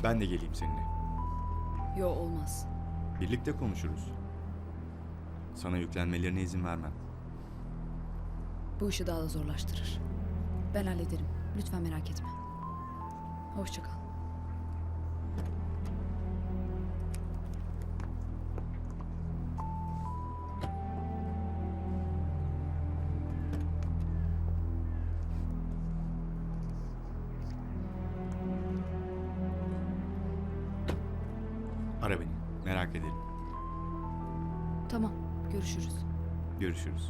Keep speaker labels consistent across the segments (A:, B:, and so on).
A: Ben de geleyim seninle.
B: Yo, olmaz.
A: Birlikte konuşuruz. Sana yüklenmelerine izin vermem.
B: Bu işi daha da zorlaştırır. Ben hallederim. Lütfen merak etme. Hoşça kal.
A: Ara beni. Merak ederim.
B: Tamam, görüşürüz.
A: Görüşürüz.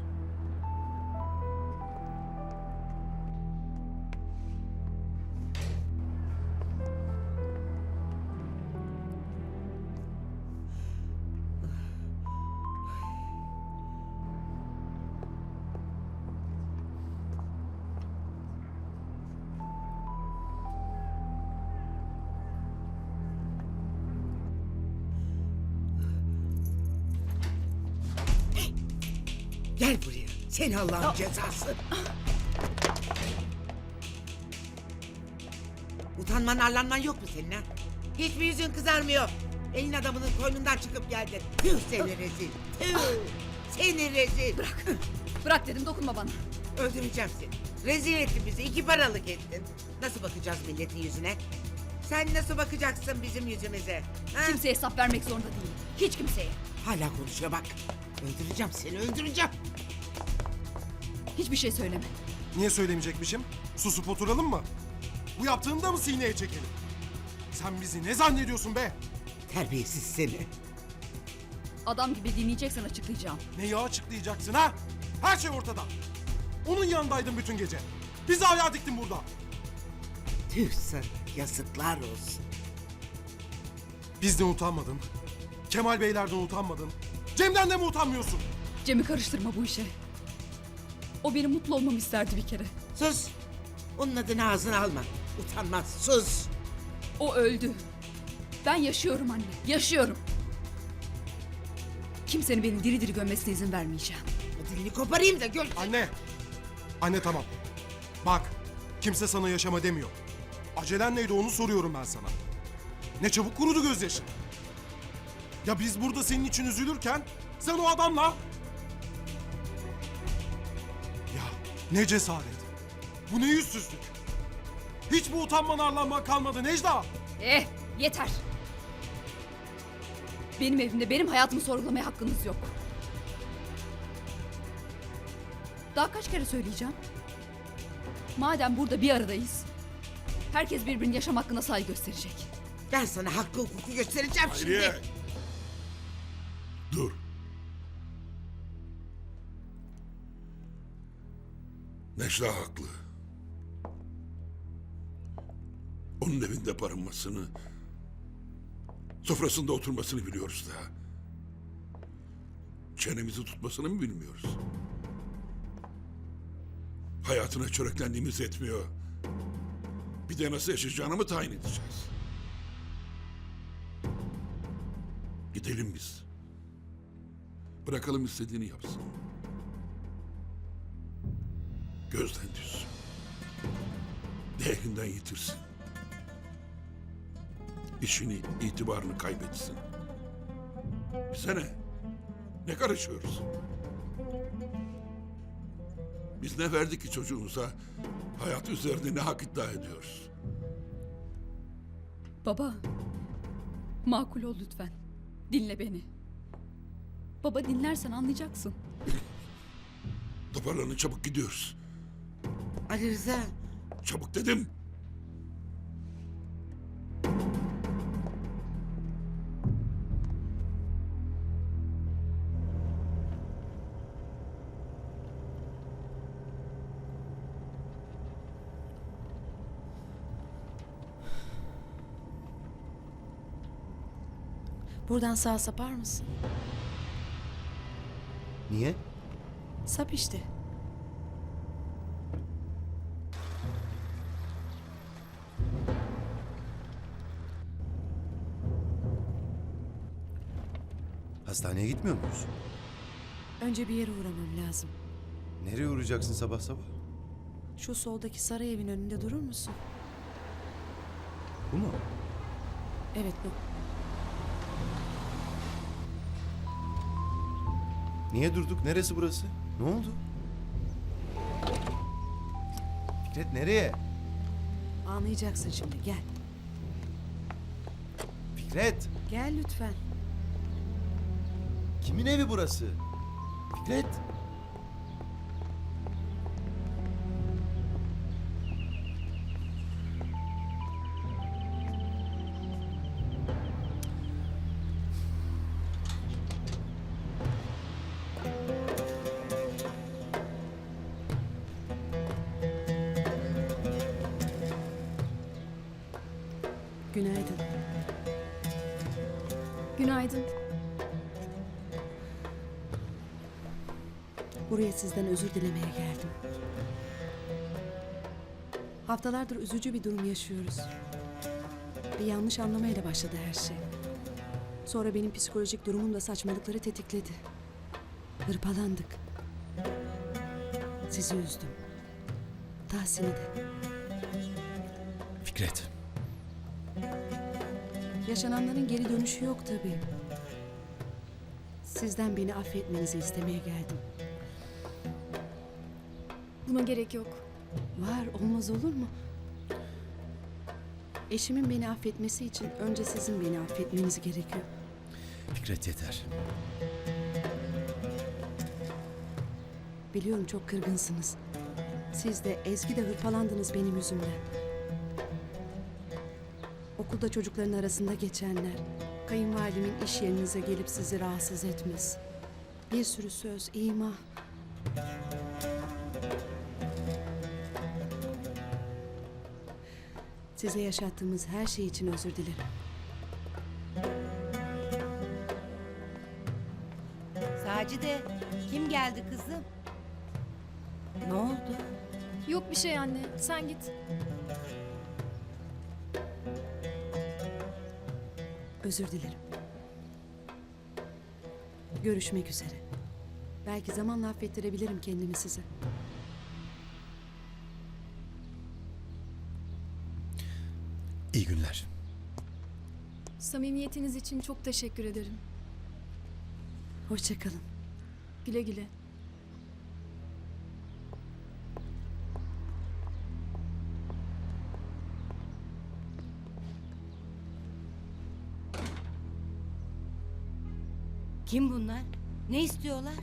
C: Gel buraya. Seni Allah'ın cezası. Utanman arlanman yok mu senin ha? Hiç mi yüzün kızarmıyor? Elin adamının koynundan çıkıp geldin. Tüh seni rezil. Tüh. Seni rezil.
B: Bırak. Bırak dedim, dokunma bana.
C: Öldüreceğim seni. Rezil ettin bizi. 2 paralık ettin. Nasıl bakacağız milletin yüzüne? Sen nasıl bakacaksın bizim yüzümüze? Ha?
B: Kimseye hesap vermek zorunda değilim. Hiç kimseye.
C: Hala konuşuyor bak. Öldüreceğim seni, öldüreceğim.
B: Hiçbir şey söyleme.
D: Niye söylemeyecekmişim? Susup oturalım mı? Bu yaptığını da mı sineye çekelim? Sen bizi ne zannediyorsun be?
C: Terbiyesiz seni.
B: Adam gibi dinleyeceksen açıklayacağım.
D: Neyi açıklayacaksın ha? Her şey ortada. Onun yanındaydın bütün gece. Bizi ayağa diktin burada.
C: Tüh sana, yazıklar olsun.
D: Bizden utanmadın. Kemal Beylerden utanmadın. Cem'den de mi utanmıyorsun?
B: Cem'i karıştırma bu işe. O benim mutlu olmamı isterdi bir kere.
C: Sus. Onun adını ağzına alma. Utanmaz, sus.
B: O öldü. Ben yaşıyorum anne, yaşıyorum. Kimsenin beni diri diri gömmesine izin vermeyeceğim.
C: O dilini koparayım da gör.
D: Anne. Anne tamam. Bak. Kimse sana yaşama demiyor. Acelen neydi onu soruyorum ben sana. Ne çabuk kurudu gözyaşın. Ya biz burada senin için üzülürken sen o adamla... Ya ne cesaret. Bu ne yüzsüzlük. Hiç bu utanman arlanman kalmadı Necla.
B: Yeter. Benim evimde benim hayatımı sorgulamaya hakkınız yok. Daha kaç kere söyleyeceğim? Madem burada bir aradayız, herkes birbirinin yaşam hakkına saygı gösterecek.
C: Ben sana hakkı hukuku göstereceğim şimdi.
E: Dur. Necla haklı. Onun evinde barınmasını, sofrasında oturmasını biliyoruz da. Çenemizi tutmasını mı bilmiyoruz? Hayatına çöreklendiğimiz yetmiyor. Bir de nasıl yaşayacağını mı tayin edeceğiz? Gidelim biz. Bırakalım istediğini yapsın. Gözden düşsün. Değerinden yitirsin. İşini, itibarını kaybetsin. Bize ne? Ne karışıyoruz? Biz ne verdik ki çocuğumuza? Hayat üzerinde ne hak iddia ediyoruz?
B: Baba, makul ol lütfen. Dinle beni. Baba, dinlersen anlayacaksın.
E: Toparlanın, çabuk gidiyoruz.
C: Ali Rıza.
E: Çabuk dedim.
F: Buradan sağa sapar mısın?
G: Niye?
F: Sap işte.
G: Hastaneye gitmiyor muyuz?
F: Önce bir yere uğramam lazım.
G: Nereye uğrayacaksın sabah sabah?
F: Şu soldaki saray evin önünde durur musun?
G: Bu mu?
F: Evet bu.
G: Niye durduk? Neresi burası? Ne oldu? Fikret nereye?
F: Anlayacaksın şimdi. Gel.
G: Fikret!
F: Gel lütfen.
G: Kimin evi burası? Fikret!
F: Günaydın.
B: Günaydın.
F: Buraya sizden özür dilemeye geldim. Haftalardır üzücü bir durum yaşıyoruz. Bir yanlış anlamayla başladı her şey. Sonra benim psikolojik durumum da saçmalıkları tetikledi. Hırpalandık. Sizi üzdüm. Tahsin'i de.
G: Fikret.
F: Yaşananların geri dönüşü yok tabii. Sizden beni affetmenizi istemeye geldim.
B: Buna gerek yok.
F: Var, olmaz olur mu? Eşimin beni affetmesi için önce sizin beni affetmeniz gerekiyor.
G: Fikret yeter.
F: Biliyorum çok kırgınsınız. Siz de Ezgi de hırpalandınız benim yüzümden. Okulda çocukların arasında geçenler, kayınvalidemin iş yerinize gelip sizi rahatsız etmesi. Bir sürü söz, ima. Size yaşattığımız her şey için özür dilerim.
H: Sacide, kim geldi kızım? Ne oldu?
B: Yok bir şey anne. Sen git.
F: Özür dilerim. Görüşmek üzere. Belki zamanla affettirebilirim kendimi size.
G: İyi günler.
B: Samimiyetiniz için çok teşekkür ederim.
F: Hoşça kalın.
B: Güle güle.
H: Kim bunlar? Ne istiyorlar?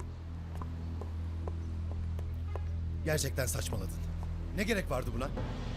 G: Gerçekten saçmaladın. Ne gerek vardı buna?